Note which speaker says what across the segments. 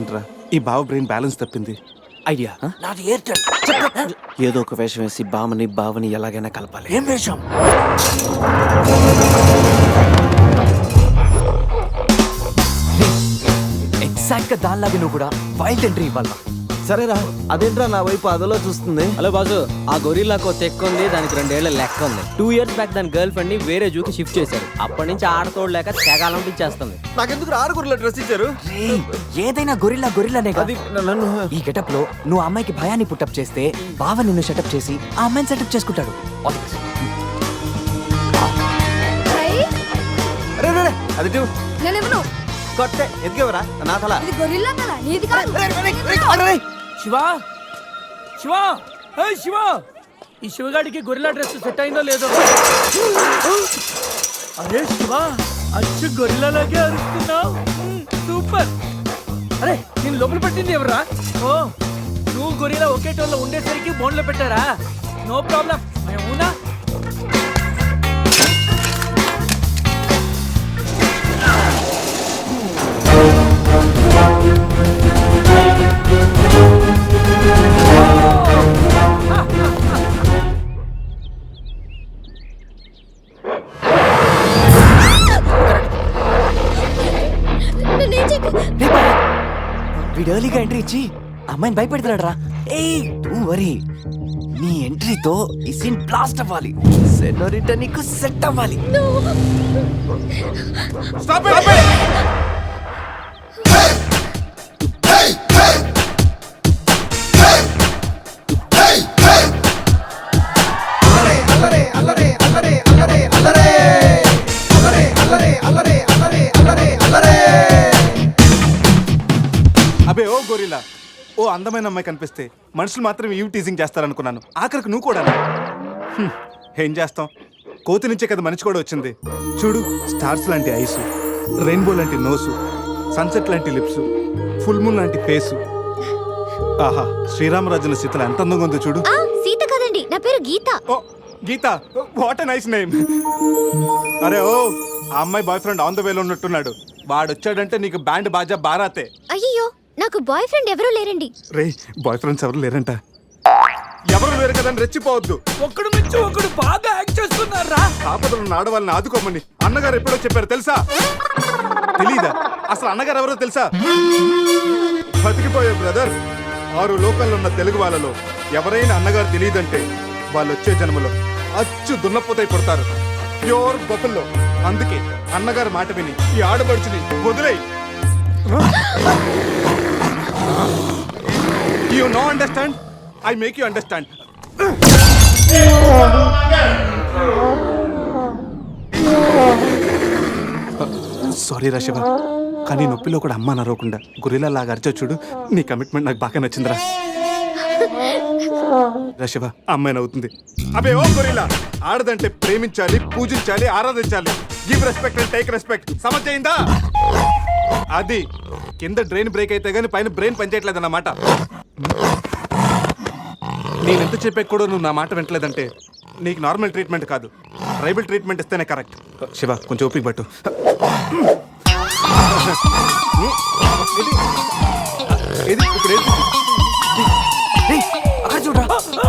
Speaker 1: ఏంట్రా ఈ బావ బ్రెయిన్ బ్యాలెన్స్ తప్పింది.
Speaker 2: ఐడియా
Speaker 3: నాది ఎయిర్టెల్.
Speaker 2: ఏదో ఒక వేషం వేసి బావని ఎలాగైనా కలపాలి.
Speaker 3: ఏం వేషం?
Speaker 2: ఎగ్జాక్ట్ గా దానిలాగే నువ్వు కూడా వైల్డ్ ఎంట్రీ ఇవ్వాలి.
Speaker 4: సరేరా, అదేంట్రా నా వైపు అదలో చూస్తుంది.
Speaker 5: హలో బాసు, ఆ గొరిల్లాకో తెక్క ఉంది, దానికి 2 ఏళ్ల లెక్క ఉంది. 2 years బ్యాక్ దాని గర్ల్ ఫ్రెండ్ ని వేరే జూకి షిఫ్ట్ చేశారు. అప్పటి నుంచి ఆడతోడలేక తెగాలంపించేస్తుంది.
Speaker 4: నాకెందుకు ఆరుగురులో డ్రెస్ ఇచ్చారు?
Speaker 2: ఏదైనా గొరిల్లానే
Speaker 4: అది నన్ను
Speaker 2: ఈ గెటప్ లో నువ్వు అమ్మాయికి భయాన్ని పుట్టప్ చేస్తే బావ నిన్ను సెటప్ చేసి ఆ అమ్మాయిని సెటప్ చేసుకుంటాడు.
Speaker 4: అరే రే, అది టూ
Speaker 6: నేనేమను
Speaker 4: కొట్టే ఎదిగేవరా నా తల.
Speaker 6: ఇది గొరిల్లా తల, నీది కాదు.
Speaker 3: శివా, శివా, శివా, ఈ శివగాడికి గొరిల్లా డ్రెస్ సెట్ అయిందో లేదో. అరే శివా, అచ్చు గొరిల్లాలాగే అరుస్తున్నావు. సూపర్. అరే నేను లోపల పెట్టింది ఎవరా? ఓ, నువ్వు గొరిల్లా ఒకే టోన్లో ఉండేసరికి బోన్లో పెట్టారా? No problem. అవునా?
Speaker 2: వీడు ఎర్లీగా ఎంట్రీ ఇచ్చి అమ్మాయిని భయపెడుతున్నాడు రా. ఏయ్ డోంట్ వరీ, నీ ఎంట్రీతో ఈ సీన్ బ్లాస్ట్ అవ్వాలి. సెనోరిటా నీకు సెట్ అవ్వాలి.
Speaker 1: అబే ఓ గొరిల్లా, ఓ అందమైన అమ్మాయి కనిపిస్తే మనుషులు మాత్రం ఇవి టీజింగ్ చేస్తారనుకున్నాను. ఆఖరికి నువ్వు కూడా. ఏం చేస్తాం, కోతి నుంచే కదా మనిషి కూడా వచ్చింది. చూడు, స్టార్స్ లాంటి ఐస్, రెయిన్బో లాంటి నోసు, సన్సెట్ లాంటి లిప్స్, ఫుల్ మూన్ లాంటి ఫేసు. ఆహా, శ్రీరామరాజుల సీతలు ఎంత అందంగా ఉందో చూడు.
Speaker 6: సీత కదండి, నా పేరు Geetha.
Speaker 1: Oh Geetha, what a nice name. అరే ఓ, ఆ అమ్మాయి బాయ్ ఫ్రెండ్ ఆన్ ద వేలో ఉన్నట్టున్నాడు. వాడు వచ్చాడంటే నీకు బ్యాండ్ బాజా బారాతే.
Speaker 6: అయ్యో, నాకు బాయ్ ఫ్రెండ్ ఎవరూ లేరండి.
Speaker 1: రే, బాయ్ ఫ్రెండ్స్ ఎవరు లేరంట. ఎవరు లేరు కదని రెచ్చిపోవద్దు.
Speaker 3: ఒకడు మించి ఒకడు బాగా యాక్ట్ చేస్తున్నారా?
Speaker 1: ఆపదలు ఆడవాళ్ళని ఆదుకోమని అన్నగారు ఎప్పుడో చెప్పారు తెలుసా? తెలీదా? అసలు అన్నగారు ఎవరో తెలుసా? బతికిపోయే బ్రదర్. 6 లోకాల్లో ఉన్న తెలుగు వాళ్ళలో ఎవరైనా అన్నగారు తెలియదంటే వాళ్ళు వచ్చే జన్మలో అచ్చు దున్నపోతై పుడతారు. Pure buffalo. అందుకే అన్నగారు మాట విని ఈ ఆడపడుచుని వదిలేయి. You know understand? I make you understand. Sorry రా శివ, కానీ నొప్పిలో కూడా అమ్మ నరవకుండా గురిలా లాగా అరిచో చూడు. నీ కమిట్మెంట్ నాకు బాగా నచ్చిందిరా. శివ, అమ్మాయి నవ్వుతుంది. అబే ఓ గొరిల్లా, ఆడదంటే ప్రేమించాలి, పూజించాలి, ఆరాధించాలి. Give respect and take respect. సమజైందా? అది కింద డ్రైన్ బ్రేక్ అయితే గానీ పైన బ్రెయిన్ పనిచేయట్లేదు అన్నమాట. నేను ఎంత చెప్పాక కూడా నువ్వు నా మాట వింటలేదంటే నీకు నార్మల్ ట్రీట్మెంట్ కాదు, ట్రైబల్ ట్రీట్మెంట్ ఇస్తేనే కరెక్ట్. శివ, కొంచెం ఓపిక పట్టు. ఇది ఇప్పుడు
Speaker 2: అక్కడ చూడరా.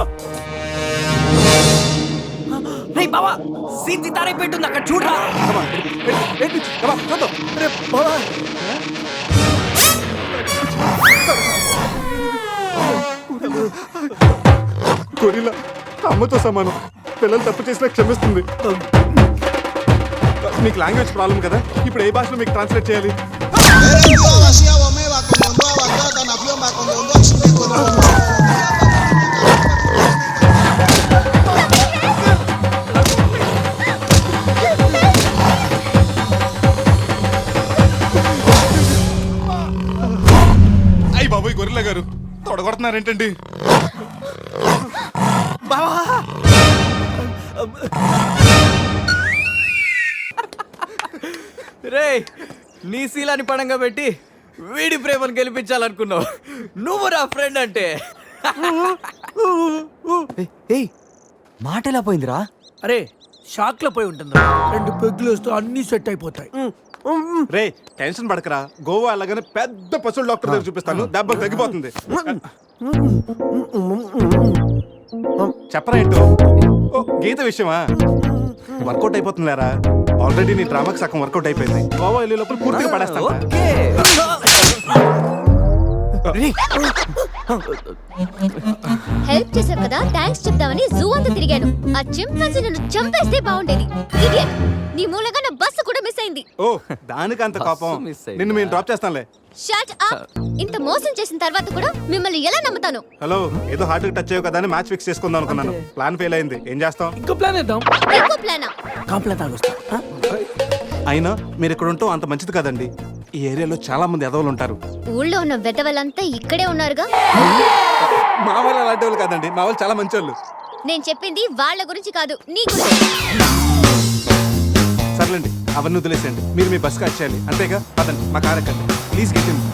Speaker 2: బావా, సీన్ సితారే పెట్టుంది అక్కడ చూడరా.
Speaker 1: చూద్దాం. గొరిల్లా అమ్మతో సమానం. పిల్లలు తప్పు చేసినా క్షమిస్తుంది. మీకు లాంగ్వేజ్ ప్రాబ్లం కదా, ఇప్పుడు ఏ భాషలో మీకు ట్రాన్స్లేట్ చేయాలి? అయ్యి బాబోయ్, గొరిల్లా గారు తొడగొడుతున్నారేంటండి?
Speaker 5: రే, నీ శీలాన్ని పడంగా పెట్టి వీడి ప్రేమను గెలిపించాలనుకున్నావు. నువ్వు నా ఫ్రెండ్ అంటే.
Speaker 2: ఏయ్, మాట ఎలా పోయిందిరా?
Speaker 3: అరే షాక్ లో పోయి ఉంటుంది. 2 పెగ్గులు వస్తూ అన్ని సెట్ అయిపోతాయి.
Speaker 1: రే టెన్షన్ పడకరా, గోవా అలాగనే పెద్ద పశువుల డాక్టర్ దగ్గర చూపిస్తాను, దెబ్బ తగ్గిపోతుంది. చెప్పరా ఏంటో? ఓ గీత విషయమా? వర్కౌట్ అయిపోతుందిలేరా, ఆల్రెడీ నీ డ్రామాకి సగం వర్కౌట్ అయిపోయింది. గోవా వెళ్ళే లోపల పూర్తిగా పడేస్తాను.
Speaker 2: ఓకే
Speaker 6: హెల్ప్ చేశావు కదా, థ్యాంక్స్ చెప్దామని జూ అంతా తిరిగాను. ఆ చింపాంజీ నన్ను చంపేస్తే బాగుండేది. ఇడియట్, నీ మూలంగా నా బస్సు కూడా మిస్ అయింది.
Speaker 1: ఓ దానికి అంత కోపం?
Speaker 2: బస్సు మిస్ అయిందా?
Speaker 1: నిన్ను మేము డ్రాప్ చేస్తానులే.
Speaker 6: Shut up. ఇంత మోసం చేసిన తర్వాత కూడా మిమ్మల్ని ఎలా నమ్ముతాను?
Speaker 1: హలో, ఏదో హార్ట్ టచ్ అయ్యో కదా అని మ్యాచ్ ఫిక్స్ చేసుకుందాం అనుకున్నాను. ప్లాన్ ఫెయిల్ అయింది, ఏం చేస్తాం?
Speaker 3: ఇంకో ప్లాన్ వేద్దాం.
Speaker 6: ఇంకో ప్లానా?
Speaker 3: కాంప్లైంట్ తాగొస్తా.
Speaker 1: అయినా మీరు ఇక్కడ ఉంటాం అంత మంచిది కదండి. ఈ ఏరియాలో చాలా మంది ఎదవలు ఉంటారు.
Speaker 6: ఊళ్ళో ఉన్న వెధవలంతా ఇక్కడే ఉన్నారుగా.
Speaker 1: మా వాళ్ళు అలాంటి వాళ్ళు కాదండి, మా వాళ్ళు చాలా మంచి వాళ్ళు.
Speaker 6: నేను చెప్పింది వాళ్ళ గురించి కాదు, నీ గురించి.
Speaker 1: సర్లేండి, అవన్నీ వదిలేసేయండి. మీరు మీ బస్కి వచ్చేయాలి అంతేగా. పదండి, మా కార్ ఎక్కండి please. Get in.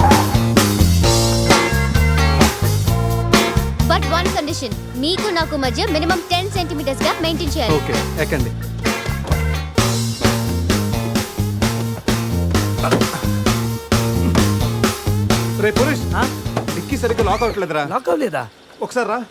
Speaker 6: But one condition, మీకు నాకు మధ్య మినిమం 10 సెంటీమీటర్స్ గా మెయింటైన్ చేయాలి.
Speaker 1: ఓకే ఎక్కండి. రే పురుష్, డిక్కీ సరిగ్గా లాక్ అవ్వట్లేదురా.
Speaker 3: లాక్ అవ్వలేదా?
Speaker 1: ఒకసారి రా.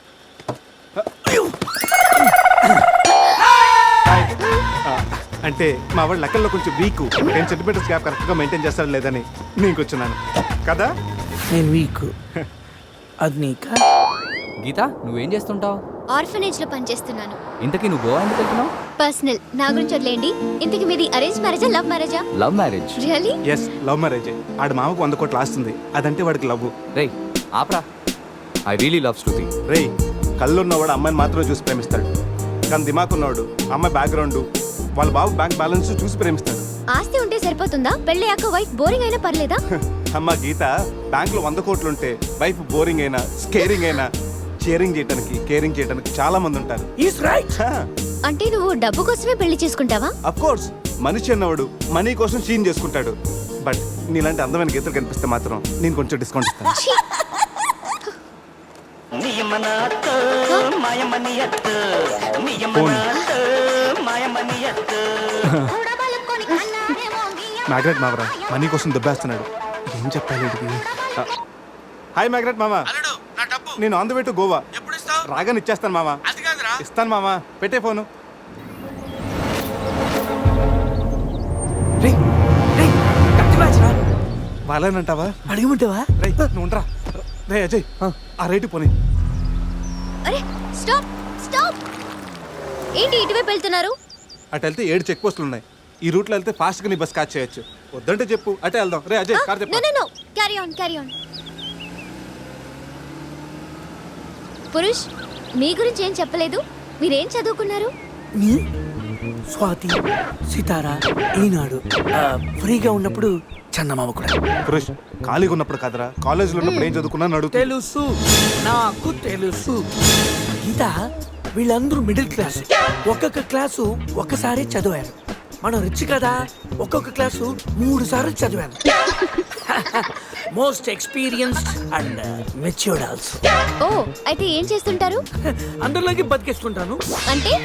Speaker 1: అంటే మా వాడు లెక్కల్లో కొంచెం వీక్, 10 సెంటీమీటర్స్ గ్యాప్ కరెక్ట్గా మెయింటైన్ చేస్తాడు లేదని నేను కూర్చున్నాను కదా.
Speaker 3: నేను వీక్. అది నీకా?
Speaker 2: గీత నువ్వేం చేస్తుంటావు?
Speaker 6: ఆర్ఫనేజ్ లో పనిచేస్తున్నాను.
Speaker 2: ఇంతకీ నువ్వు గోవా ఎందుకు వెళ్తున్నావు?
Speaker 6: పర్సనల్, నా గురించి వదిలేండి. ఇంతకి మీది అరేంజ్ మ్యారేజా, లవ్ మ్యారేజా?
Speaker 2: Love marriage.
Speaker 6: Really?
Speaker 1: Yes, love marriage. ఆడు మామకు 100 కోట్లు ఆస్తుంది, అదంటే వాడికి లవ్.
Speaker 2: రేయ్ ఆపరా, ఐ రియలీ లవ్ శృతి.
Speaker 1: రేయ్, కళ్ళున్నవాడు అమ్మాయిని మాత్రమే చూసి ప్రేమిస్తాడు, కానీ దిమాక్ ఉన్నవాడు అమ్మాయి బ్యాక్గ్రౌండ్, వాళ్ళ బాబు బ్యాంక్ బ్యాలెన్స్ చూసి ప్రేమిస్తాడు.
Speaker 6: ఆస్తి ఉంటే సరిపోతుందా? పెళ్ళయ్యాక వైఫ్ బోరింగ్ అయినా పర్లేదా?
Speaker 1: అమ్మ గీత, బ్యాంక్ లో 100 కోట్లు ఉంటే వైఫ్ బోరింగ్ అయినా స్కేరింగ్ అయినా షేరింగ్ చేయడానికి కేరింగ్ చేయడానికి చాలా మంది ఉంటారు.
Speaker 3: Is right.
Speaker 6: అంటే నువ్వు డబ్బు కోసమే పెళ్లి చేసుకుంటావా?
Speaker 1: అఫ్ కోర్స్, మనిషి అన్నవాడు మనీ కోసం షీన్ చేసుకుంటాడు. బట్ నీలాంటి అందమైన గీతలు కనిపిస్తే మాత్రం నేను కొంచెం డిస్కౌంట్ ఇస్తాను.
Speaker 6: ఛీ!
Speaker 1: మ్యాగ్రెట్ మావరా మనీ కోసం దెబ్బేస్తున్నాడు, ఏం చెప్పాలి వీడికి? హాయ్ మ్యాగ్రెట్ మామ, నేను on the way to Goa. రాగానే ఇచ్చేస్తాను మామ. ఇస్తాను మామ, పెట్టే ఫోను.
Speaker 3: రేయ్ రేయ్, కత్తి మ్యాచ్ రా.
Speaker 1: వాళ్ళేనంటావా?
Speaker 3: అడగమంటావా?
Speaker 1: రే నువ్వు ఉండరా. రే అజయ్, ఆ రేటు పోనీ.
Speaker 6: అరే స్టాప్ స్టాప్! ఏంటి ఇటువైపు వెళ్తున్నారు?
Speaker 1: అటు వెళ్తే 7 చెక్ పోస్టులు ఉన్నాయి. ఈ రూట్లో వెళ్తే ఫాస్ట్గా నీ బస్ క్యాచ్ చేయొచ్చు. వద్దంటే చెప్పు, అటే వెళ్దాం. రే అజయ్, కార్
Speaker 6: నో
Speaker 1: చెప్పు.
Speaker 6: No no, carry on carry on. Purush, మీ గురించి ఏం చెప్పలేదు. మీరేం చదువుకున్నారు?
Speaker 3: స్వాతి, సితారా, ఈనాడు. ఫ్రీగా ఉన్నప్పుడు చందమామ కూడా.
Speaker 1: పురుష్, ఖాళీగా ఉన్నప్పుడు కదరా, కాలేజీలో ఉన్నప్పుడు ఏం చదువుకున్నాను అడుగుతా.
Speaker 3: తెలుసు, నాకు తెలుసు. గీత, వీళ్ళందరూ మిడిల్ క్లాస్. ఒక్కొక్క క్లాసు ఒక్కసారి చదివారు. మనం రిచ్ కదా, ఒక్కొక్క క్లాసు 3 సార్లు చదివాను. Most experienced and matured also.
Speaker 6: ఓ, అయితే ఏం చేస్తుంటారు?
Speaker 3: అందరిలోకి బతికేస్తుంటాను.
Speaker 6: అంటే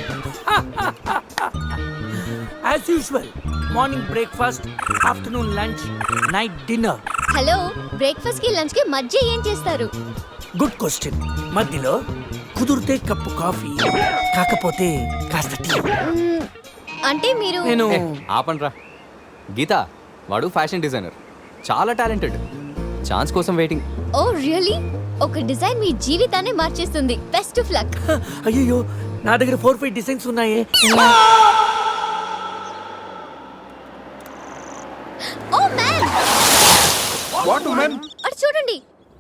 Speaker 3: as usual, morning breakfast, afternoon lunch, night dinner.
Speaker 6: Hello, breakfast కి లంచ్ కి మధ్య ఏం చేస్తారు?
Speaker 3: Good question. మధ్యలో కుదిరితే కప్పు కాఫీ, కాకపోతే కాస్త టీ.
Speaker 6: మ్మ్, అంటే మీరు
Speaker 3: నేను
Speaker 2: ఆపండ్రా. గీత వాడు ఫ్యాషన్ డిజైనర్, చాలా టాలెంటెడ్, ఛాన్స్ కోసం వెయిటింగ్.
Speaker 6: Oh really? ఒక డిజైన్ మీ జీవితాన్ని మార్చేస్తుంది. Best of luck.
Speaker 3: అయ్యో, నా దగ్గర 4-5 డిజైన్స్ ఉన్నాయే.
Speaker 6: Oh man,
Speaker 1: what man?
Speaker 6: అటు చూడండి.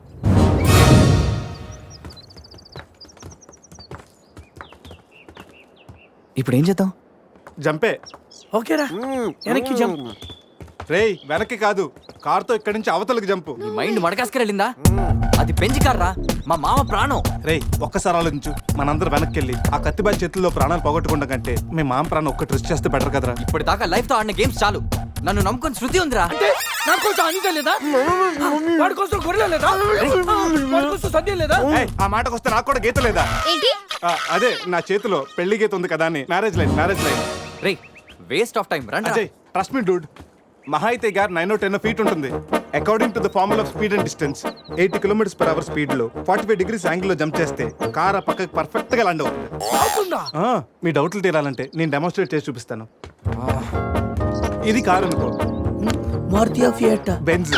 Speaker 2: ఇప్పుడు ఏం చేద్దాం?
Speaker 1: జంపే.
Speaker 3: ఓకేరా, వెనక్కి జంప్.
Speaker 1: రేయ్ వెనక్కి కాదు, కార్తో ఇక్కడి నుంచి అవతలకి జంపు.
Speaker 2: నీ మైండ్ మడకాసుకెళ్ళిందా? అది పెంచి కార్రా, మా మామ ప్రాణం.
Speaker 1: రేయ్ ఒక్కసారి ఆలోచించు, మనందరం వెనక్కి వెళ్ళి ఆ కత్తిబాయి చేతుల్లో ప్రాణాలు పోగొట్టుకుంటాం కంటే మీ మామ ప్రాణం ఒక్కటి రిస్క్ చేస్తే బెటర్ కదరా.
Speaker 2: ఇప్పటిదాకా లైఫ్ తో ఆడిన గేమ్స్ చాలు, నన్ను నమ్ముకొని శృతి ఉందిరా.
Speaker 3: అంటే నా కోసం అనిత లేదా? వాడి కోసం గొర్రెల లేదా? వాడి కోసం సద్య లేదా?
Speaker 1: ఏయ్, ఆ మాటకు వస్తే నాకు కూడా గీత లేదా?
Speaker 6: ఏంటి?
Speaker 1: అదే నా చేతిలో పెళ్లి గీత ఉంది కదా అని. Marriage line.
Speaker 2: రే వేస్ట్ ఆఫ్ టైం, రండి.
Speaker 1: Ajay trust me dude. మహా అయితే గారు 9 or 10 ఫీట్ ఉంటుంది. According to the formula of speed and distance 80 km/h speed లో 45 degrees యాంగిల్ లో జంప్ చేస్తే కార్ ఆ పక్కకి పర్ఫెక్ట్ గా ల్యాండ్ అవుతుంది.
Speaker 3: అవుతుందా?
Speaker 1: మీ డౌట్లు తీరాలంటే నేను డెమోన్స్ట్రేట్ చేసి చూపిస్తాను. ఇది కార్ అనుకో,
Speaker 3: మారుతియా ఫియట్
Speaker 1: బెంజ్.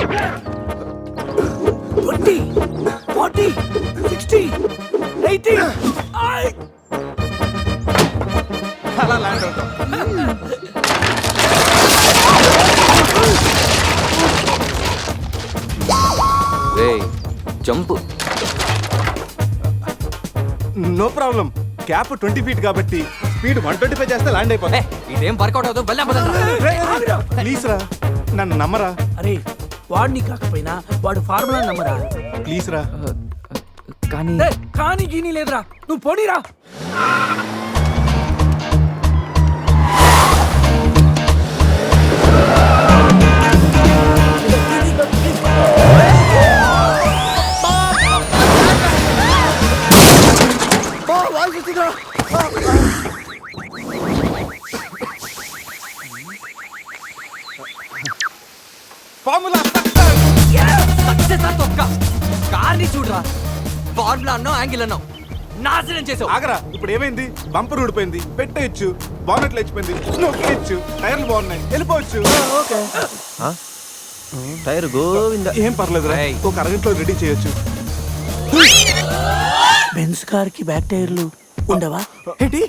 Speaker 3: 20 40 60 80
Speaker 1: అలా ల్యాండ్ అవుతాం.
Speaker 2: Jump.
Speaker 1: No problem. Cap 20 feet కాబట్టి స్పీడ్ 125 చేస్తే ల్యాండ్ అయిపోతా.
Speaker 2: ఇదేం వర్కౌట్ అవుతుంది,
Speaker 1: ప్లీజ్ రా, నన్ను నమ్మరా.
Speaker 3: అరే వాడిని కాకపోయినా వాడు ఫార్ములా నమ్మరా.
Speaker 1: ప్లీజ్ రా.
Speaker 2: కానీ
Speaker 3: కానీ గీనీ లేదురా, నువ్వు పోనీరా.
Speaker 1: ఫార్ములా
Speaker 2: కార్ని చూడరా, ఫార్ములా అన్నావు, యాంగిల్ అన్నావు, నాశనం చేసావు.
Speaker 1: ఆగరా, ఇప్పుడు ఏమైంది? బంపర్ ఊడిపోయింది, పెట్టేయచ్చు. బానెట్ లేచిపోయింది, నొక్కేయచ్చు. టైర్లు బాగున్నాయి, వెళ్ళిపోవచ్చు.
Speaker 4: టైర్ గోవింద.
Speaker 1: ఏం పర్లేదు రా,
Speaker 2: ఏయ్.
Speaker 1: ఒక అరగంటలో రెడీ చేయొచ్చు.
Speaker 3: బెంజ్ కార్ కి బ్యాక్ టైర్లు ఉండవా?
Speaker 1: ఏంటి?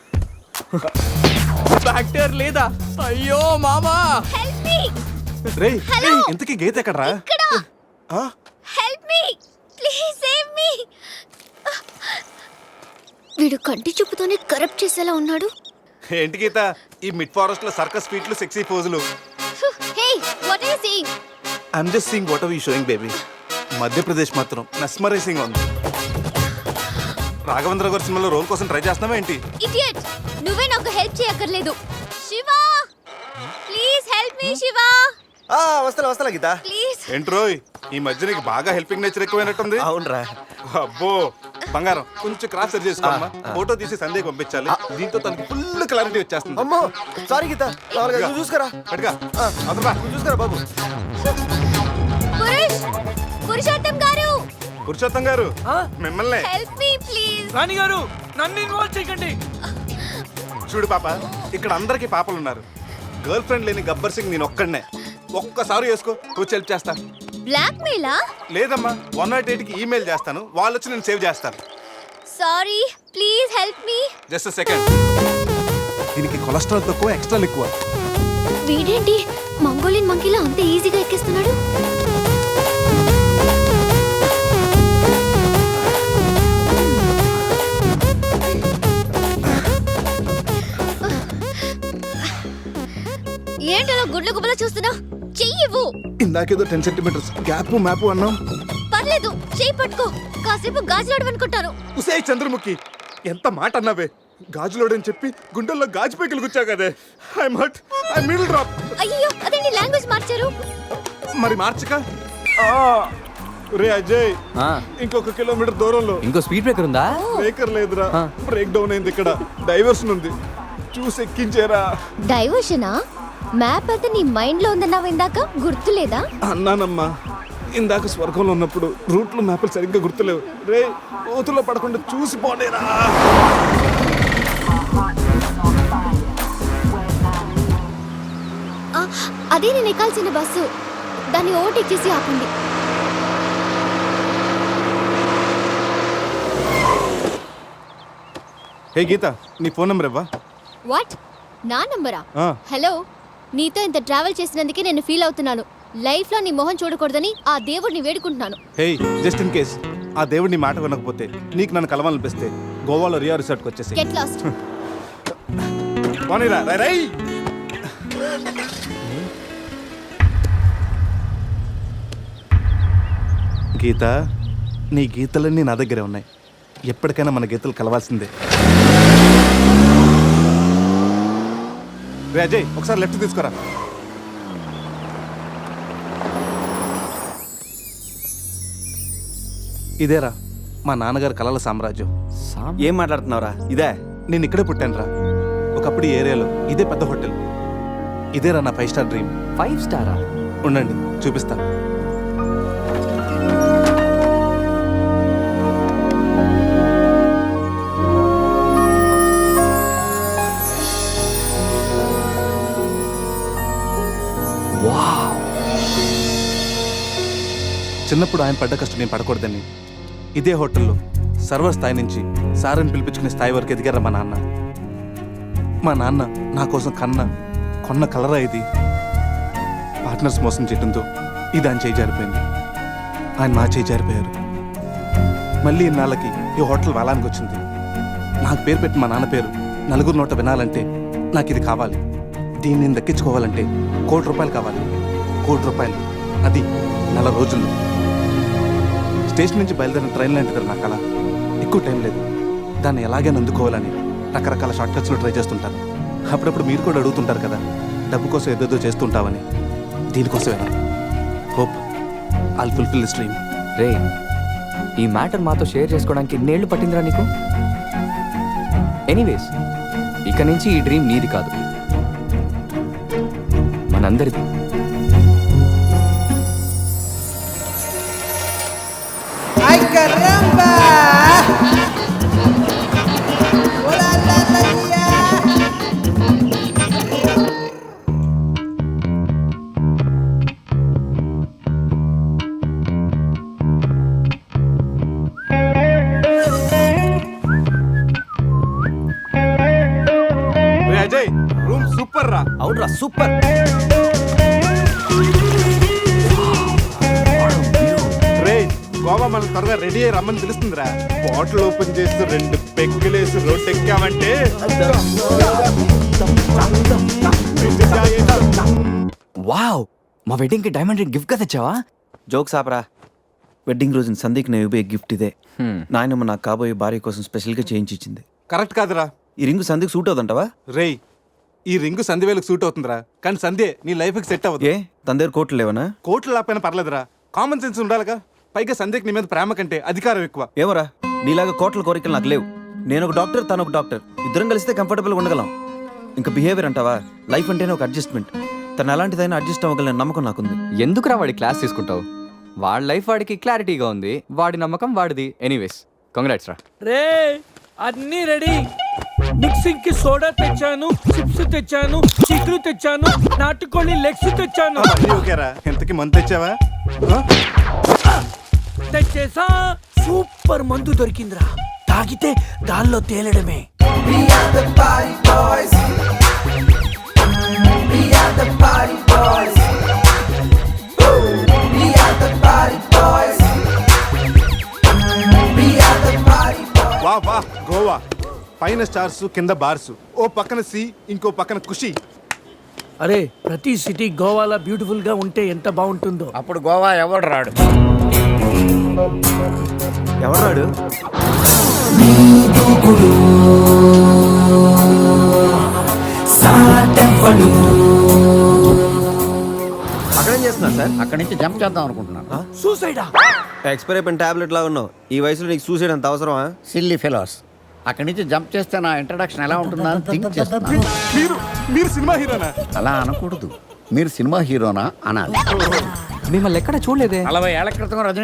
Speaker 2: బ్యాక్టీరియా లేదా? అయ్యో మామా.
Speaker 6: Help me.
Speaker 1: రేయ్,
Speaker 6: హలో.
Speaker 1: రేయ్, ఇంతకీ గీత ఎక్కడరా?
Speaker 6: ఇక్కడ.
Speaker 1: ఆ?
Speaker 6: Help me please save me. వీడు కంటి చూపుతోనే కరప్ట్ చేసేలా ఉన్నాడు.
Speaker 1: ఏంటి గీత, ఈ మిడ్ ఫారెస్ట్ లో సర్కస్ ఫీట్లు, సెక్సీ పోజులు?
Speaker 6: Hey what are you saying?
Speaker 1: I'm just seeing what are you showing baby. Madhya Pradesh మాత్రం మెస్మరైజింగ్ ఉంది. రాఘవేంద్ర గారి సినిమాలో రోల్ కోసం ట్రై చేస్తున్నావా ఏంటి?
Speaker 6: ఇడియట్, నువ్వే నాకు హెల్ప్ చేయక్కర్లేదు. Shiva please help me. Shiva
Speaker 4: వస్తా గీత.
Speaker 6: ప్లీజ్.
Speaker 1: ఏంట్రోయ్, ఈ మధ్య నీకు బాగా హెల్పింగ్ నేచర్ ఎక్కువైనట్టుంది.
Speaker 4: అవునరా.
Speaker 1: అబ్బో బంగారం, కొంచెం క్రాస్ సెట్ చేసుకోమ్మా. ఫోటో తీసి సందేహం పంపించాలి. దీంతో తనకి ఫుల్ క్లారిటీ వచ్చేస్తుంది.
Speaker 4: అమ్మో సారీ గీత. నువ్వు చూసుకురా.
Speaker 1: పట్టుగా అదరా.
Speaker 4: నువ్వు చూసుకురా బాబు.
Speaker 6: పురుషోత్తం గారు,
Speaker 1: పురుషోత్తం గారు, మిమ్మల్ని.
Speaker 6: Help me please.
Speaker 3: రాణి గారు నన్ను ఇన్వాల్వ్ చేయకండి.
Speaker 1: చూడు పాప, ఇక్కడ అందరికి పాపలు ఉన్నారు. గర్ల్ ఫ్రెండ్ లేని గబ్బర్ సింగ్ నేను ఒక్కడనే. ఒక్కసారి వేసుకో, కూర్చి హెల్ప్ చేస్తా.
Speaker 6: బ్లాక్ మెయిలా?
Speaker 1: లేదమ్మా, 108కి ఈమెయిల్ చేస్తాను, వాళ్ళు వచ్చి నేను సేవ్ చేస్తాను.
Speaker 6: Sorry please help me.
Speaker 1: Just second. దీనికి కొలెస్ట్రాల్ తక్కువ, ఎక్స్ట్రా ఎక్కువ.
Speaker 6: వీడేంటి మంగోలియన్ మంకీలా అంత ఈజీగా ఎక్కిస్తున్నాడు? ఏంటో గుడ్ల గుబల చూస్తున్నా? చెయ్యివ్వు.
Speaker 1: ఇందాకేదో 10 centimeters గ్యాప్ మ్యాప్ అన్నాం.
Speaker 6: పర్లేదు, చెయ్యి పట్టుకో. కాసేపు గాజులాడు అనుకుంటాను.
Speaker 1: ఉసే చంద్రముఖి, ఎంత మాట అన్నావే. గాజులోడని చెప్పి గుండెల్లో గాజు పైకలు గుచ్చా కదే. I'm hurt, I middle drop.
Speaker 6: అయ్యో అదేంటి లాంగ్వేజ్ మార్చారు?
Speaker 1: మరి మార్చక. రే అజయ్, ఇంకొక కిలోమీటర్ దూరంలో
Speaker 2: ఇంకో స్పీడ్ బ్రేకర్ ఉందా?
Speaker 1: బ్రేకర్ లేదురా, బ్రేక్ డౌన్ అయింది. ఇక్కడ డైవర్షన్ ఉంది, చూసి ఎక్కించారా.
Speaker 6: డైవర్షనా? మ్యాప్ అయితే నీ మైండ్ లో ఉందన్నావు ఇందాక, గుర్తులేదా?
Speaker 1: అన్నానమ్మా, ఇందాక స్వర్గంలో ఉన్నప్పుడు రూట్లో మ్యాప్లు సరిగ్గా గుర్తులేవు. రే ఓతుల్లో పడకుండా చూసి పోనేరా.
Speaker 6: అదే నేను ఎక్కాల్సిన బస్సు. దాన్ని ఓవర్టేక్ చేసి ఆపండి.
Speaker 1: హే గీత, నీ ఫోన్ నెంబర్ ఇవ్వా.
Speaker 6: వాట్? నా నంబరా?
Speaker 1: ఆ.
Speaker 6: హలో, నీతో ఇంత ట్రావెల్ చేసినందుకే నేను ఫీల్ అవుతున్నాను. లైఫ్ లో నీ మొహం చూడకూడదని ఆ దేవుడిని వేడుకుంటున్నాను.
Speaker 1: హే, జస్ట్ ఇన్ కేస్ ఆ దేవుడిని మాట వినకపోతే, నీకు నన్ను కలవాలనిపిస్తే గోవాలో రియా రిసార్ట్కి వచ్చేసి
Speaker 6: గెట్ లాస్ట్.
Speaker 1: పోనీరా, రై రై. గీత, నీ గీతలన్నీ నా దగ్గరే ఉన్నాయి. ఎప్పటికైనా మన గీతలు కలవాల్సిందే. రే అజయ్, ఒకసారి లెఫ్ట్ తీసుకురా. ఇదేరా మా నాన్నగారి కలల సామ్రాజ్యం.
Speaker 4: ఏం మాట్లాడుతున్నావురా? ఇదే
Speaker 1: నేను ఇక్కడే పుట్టాను రా. ఒకప్పుడు ఈ ఏరియాలో ఇదే పెద్ద హోటల్. ఇదేరా నా 5 స్టార్ డ్రీమ్.
Speaker 2: 5 స్టారా?
Speaker 1: ఉండండి చూపిస్తా. చిన్నప్పుడు ఆయన పడ్డ కష్టం నేను పడకూడదని ఇదే హోటల్లో సర్వర్ స్థాయి నుంచి సారని పిలిపించుకునే స్థాయి వరకు ఎదిగారా మా నాన్న. మా నాన్న నా కోసం కొన్న కలరా ఇది. పార్ట్నర్స్ మోసం చేయడంతో ఇది ఆయన చేయి జారిపోయింది. ఆయన నా చేయి జారిపోయారు. మళ్ళీ ఇన్నాళ్ళకి ఈ హోటల్ వేలానికి వచ్చింది. నాకు పేరు పెట్టి మా నాన్న పేరు నలుగురు నోట వినాలంటే నాకు ఇది కావాలి. దీన్ని నేను దక్కించుకోవాలంటే ₹1 కోటి కావాలి. ₹1 కోటి, అది 4 రోజుల్లో. స్టేషన్ నుంచి బయలుదేరిన ట్రైన్ లాంటిది నా కళ. ఎక్కువ టైం లేదు, దాన్ని ఎలాగైనా అందుకోవాలని రకరకాల షార్ట్ కట్స్లో ట్రై చేస్తుంటాను. అప్పుడప్పుడు మీరు కూడా అడుగుతుంటారు కదా, డబ్బు కోసం ఏదేదో చేస్తుంటావని. దీనికోసమేనా? Hope I'll fulfil this dream.
Speaker 2: రే, ఈ మ్యాటర్ మాతో షేర్ చేసుకోవడానికి ఎన్నేళ్ళు పట్టిందిరా నీకు? ఎనీవేస్, ఇక నుంచి ఈ డ్రీమ్ నీది కాదు, మనందరిది.
Speaker 1: అజయ్, రూమ్ సూపర్ రా.
Speaker 2: అవునరా, సూపర్.
Speaker 1: రే, గోవా మనం త్వరగా రెడీ అయ్యి రమ్మని పిలుస్తుందిరా. బాటిల్ ఓపెన్ చేస్తూ 2 పెగ్గులేసి రోడ్ ఎక్కామంటే
Speaker 2: వావ్, మా వెడ్డింగ్ కి డైమండ్ రింగ్ గిఫ్ట్ గా తెచ్చావా?
Speaker 4: జోక్స్ ఆపరా. వెడ్డింగ్ రోజున సందీక్ నేను ఇవ్వే గిఫ్ట్ ఇదే. నాయనమ్మ నాకు కాబోయే భార్య కోసం స్పెషల్గా చేయించి ఇచ్చింది.
Speaker 1: కరెక్ట్ కాదురా.
Speaker 4: ఈ రింగు సందీక్ సూట్ అవుతుంటావా?
Speaker 1: రేయ్, ఈ రింగు సంధ్యవేలకు సూట్ అవుతుందిరా, కానీ సంధ్య నీ లైఫ్కి సెట్ అవ్వదు.
Speaker 4: ఏ తన దగ్గర కోట్లు లేవనా?
Speaker 1: కోట్లు లేకపోయినా పర్లేదురా, కామన్ సెన్స్ ఉండాలిగా. పైగా సంధ్యకి నీ మీద ప్రేమ కంటే అధికారం ఎక్కువ.
Speaker 4: ఏమోరా, నీలాగా కోట్ల కోరికలు నాకు లేవు. నేను ఒక డాక్టర్, తను ఒక డాక్టర్. ఇద్దరం కలిస్తే కంఫర్టబుల్గా ఉండగలం. ఇంకా బిహేవియర్ అంటావా? లైఫ్ అంటేనే ఒక అడ్జస్ట్మెంట్. తను ఎలాంటిదైనా అడ్జస్ట్ అవ్వగలని నమ్మకం నాకుంది.
Speaker 2: ఎందుకురా వాడి క్లాస్ తీసుకుంటావు? వాడి లైఫ్ వాడికి క్లారిటీగా ఉంది, వాడి నమ్మకం వాడిది. ఎనీవేస్, కంగ్రాట్స్ రా.
Speaker 3: రే, అన్నీ రెడీ. మిక్సింగ్ కి సోడా తెచ్చాను, చిప్స్ తెచ్చాను, చిక్కులు తెచ్చాను, నాటుకోళ్ళి లెగ్స్ తెచ్చాను.
Speaker 1: అన్నీ ఓకేరా. ఎంతకి మంత్ తెచ్చావా?
Speaker 3: తెచ్చేసా. సూపర్ మందు దొరికిందిరా, తాగితే గాల్లో తేలడమే.
Speaker 1: వా వా, గోవా పైన స్టార్స్, కింద బార్స్, ఓ పక్కన సీ, ఇంకో పక్కన ఖుషి.
Speaker 3: అరే, ప్రతి సిటీ గోవాలో బ్యూటిఫుల్ గా ఉంటే ఎంత బాగుంటుందో.
Speaker 7: అప్పుడు గోవా ఎవడు రాడు.
Speaker 4: ఎవరాడు? అక్కడేం చేస్తున్నా సార్?
Speaker 7: అక్కడి నుంచి జంప్ చేద్దాం అనుకుంటున్నాను.
Speaker 3: సూసైడా?
Speaker 4: ఎక్స్పైర్ అయిపోయిన టాబ్లెట్ లా ఉన్నావు. ఈ వయసులో నీకు సూసైడ్ అంత అవసరమా?
Speaker 7: Silly fellows. అక్కడి నుంచి జంప్ చేస్తే నా ఇంట్రడక్షన్ ఎలా ఉంటుందా అని థింక్ చేస్తున్నాను.
Speaker 1: మీరు సినిమా హీరోనా?
Speaker 7: అలా అనకూడదు, మీరు సినిమా హీరోనా అనాలి.
Speaker 2: మిమ్మల్ని ఎక్కడ చూడలేదే.
Speaker 7: 40 ఏళ్ల క్రితం రజనీ